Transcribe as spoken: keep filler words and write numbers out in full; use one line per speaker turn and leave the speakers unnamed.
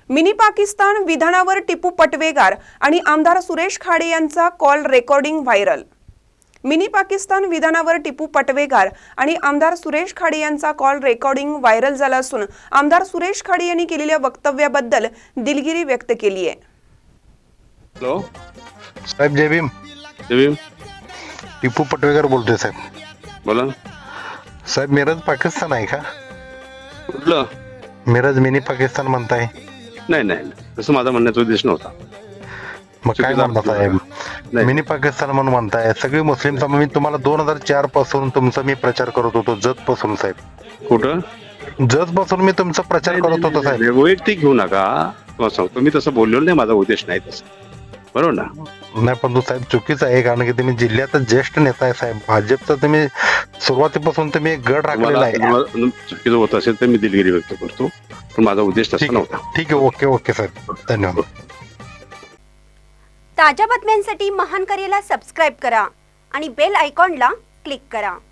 Mini Pakistan विधानावर टिपू पटवेगार आणि आमदार सुरेश खाडे यांचा call recording viral. Mini Pakistan विधानावर टिपू पटवेगार आणि आमदार सुरेश खाडे यांचा कॉल रेकॉर्डिंग व्हायरल झाला असून आमदार सुरेश खाडे यांनी केलेल्या वक्तव्याबद्दल दिलगिरी व्यक्त केली आहे।
हॅलो
साहेब, जय भीम।
जय भीम।
टिपू पटवेगार बोलतोय साहेब।
बोला
साहेब, मिरज पाकिस्तान आहे का?
कुठलं?
मिरज मिनी पाकिस्तान म्हणताय?
नाही नाही, तसं माझा म्हणण्याचा उद्देश नव्हता।
मग काय म्हणता साहेब? मिनी पाकिस्तान म्हणून म्हणताय। सगळे मुस्लिम समाज, मी तुम्हाला दोन हजार चार पासून तुमचा मी प्रचार करत होतो, जत पासून साहेब।
कुठं?
जत पासून मी तुमचा प्रचार करत होतो साहेब।
वैयक्तिक घेऊ नका, तुम्हाला सांगतो मी तसं बोललेलो नाही, माझा उद्देश नाही तसं, बरोबर ना?
नाही, पण तो साहेब चुकीचं आहे, कारण की तुम्ही जिल्ह्याचा ज्येष्ठ नेता आहे साहेब। भाजपचा तुम्ही सुरुवातीपासून तुम्ही एक गड राखलेला आहे।
चुकीचं होत असेल तर मी दिलगिरी व्यक्त करतो, पण माझा उद्देश तसा नव्हता।
ठीक आहे, ओके ओके साहेब, धन्यवाद।
ताज्या बातम्यांसाठी महान करेला सबस्क्राईब करा आणि बेल आयकॉनला क्लिक करा।